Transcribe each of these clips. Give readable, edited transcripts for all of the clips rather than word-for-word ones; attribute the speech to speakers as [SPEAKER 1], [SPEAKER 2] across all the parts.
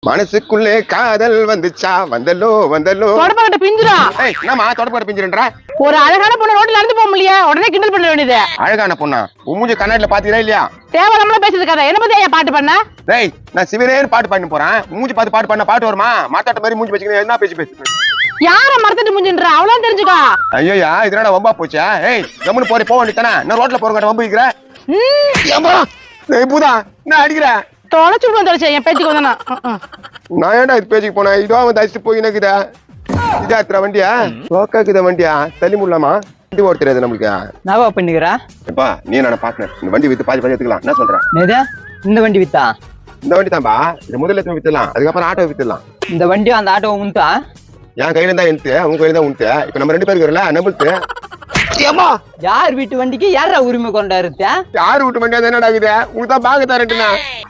[SPEAKER 1] மனசுக்குள்ளே காதல் வந்துச்சா வந்தல்லோ வந்தல்லோ
[SPEAKER 2] தொடப்பட்ட பிஞ்சிரா.
[SPEAKER 1] என்னமா தொடப்பட்ட பிஞ்சிரன்ற?
[SPEAKER 2] ஒரு அழகான பொண்ணு ரோட்ல நடந்து போக முடியல, உடனே கிண்டல் பண்ண வேண்டியது.
[SPEAKER 1] அழகான பொண்ணா? மூஞ்சி கண்ணாடில பாத்தீங்களா இல்லையா?
[SPEAKER 2] தேவையில்லாம பேசுறது கதை. என்ன பத்தி ஏன் பாட்டு பண்ண?
[SPEAKER 1] டேய், நான் சிவனேன்னு பாட்டு பாடிட்டு போறேன். மூஞ்சி பார்த்து பாட்டு பண்ண பாட்டு வருமா? மாத்தாட்ட மாதிரி மூஞ்சி வச்சுக்கிட்டு என்ன பேசி
[SPEAKER 2] யார மறந்துட்டு மூஞ்சின்ற அவ்வளவு தெரிஞ்சுக்கா.
[SPEAKER 1] ஐயோயா, இதனால வம்பா போச்சா? ஏய், கம்முன்னு போறே போக வேண்டியதானே? நான் ரோட்ல போறவங்க வம்பு வைக்கிறேன். பூதா நான் அடிக்கிறேன்.
[SPEAKER 2] தொலைச்சு விடுவோம் தொலைச்சு என் பேச்சுக்கு வந்தானா.
[SPEAKER 1] நான் ஏன்டா இது பேச்சுக்கு போனேன்? இதோ அவன் தச்சுட்டு போய் எனக்குதா இதாத்துற வண்டியா லோக்காக்குத வண்டியா தள்ளி முடியலாமா? வண்டி ஓட தெரியாது நம்மளுக்கு.
[SPEAKER 3] நவா பண்ணிக்கிறா
[SPEAKER 1] எப்பா நீ நான் பாக்குறேன். இந்த வண்டி வித்து பாதி எடுத்துக்கலாம். என்ன சொல்றேன்?
[SPEAKER 3] இந்த வண்டி வித்தா?
[SPEAKER 1] இந்த வண்டி தான்பா. இது முதல்ல வித்துலாம், அதுக்கப்புறம் ஆட்டோ வித்துலாம்.
[SPEAKER 3] இந்த வண்டியும் அந்த ஆட்டோ உண்டா?
[SPEAKER 1] என் கையில தான் எடுத்து, உங்க கையில தான் உண்டு. இப்ப நம்ம 2 பேருக்கு வரல நம்பிட்டு.
[SPEAKER 3] யார் வீட்டு வண்டிக்கு யாரா உரிமை கொண்டாருத்த?
[SPEAKER 1] யாரு வீட்டு வண்டியா என்னடா ஆகுது? உங்களுக்கு தான் பாக்க தரட்டுனா.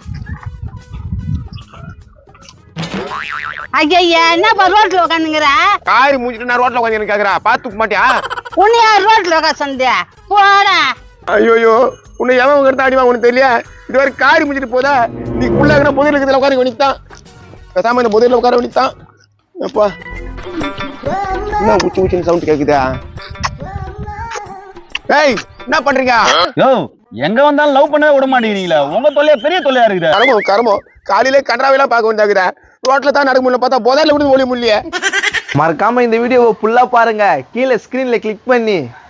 [SPEAKER 2] ஐயா என்ன ரோட்ல உட்காந்துங்கிற?
[SPEAKER 1] காரி மூஞ்சிட்டு நான் ரோட்ல உட்காந்து கேக்குறா. பாத்துக்க மாட்டியா?
[SPEAKER 2] உன்னை யார் ரோட்ல உட்காந்து சொன்னியா? போடா.
[SPEAKER 1] ஐயோயோ, உன்னை எவன் உங்க எடுத்து அடிவாங்க உனக்கு தெரியல. இது வரை காரி முடிச்சிட்டு போதா? நீ உள்ள புதிரில் இருக்கிறதுல உட்கார வேண்டித்தான். பேசாம இந்த புதிரில் உட்கார வேண்டித்தான். அப்பா என்ன உச்சி உச்சின்னு சவுண்ட் கேக்குதா? ஏய், என்ன பண்றீங்க?
[SPEAKER 4] யோ, எங்க வந்தாலும் லவ் பண்ணவே விட மாட்டேங்கிறீங்களா? உங்க தொல்லையா பெரிய தொல்லையா இருக்குது.
[SPEAKER 1] கரமோ காலையிலே கன்றாவெல்லாம் பார்க்க வேண்டியதாக்குதா? ரோட்ல தான் நடக்க முடியல, பார்த்தா போதால விடுது ஒளி முடியல.
[SPEAKER 5] மறக்காம இந்த வீடியோவை ஃபுல்லா பாருங்க. கீழே ஸ்கிரீன்ல கிளிக் பண்ணி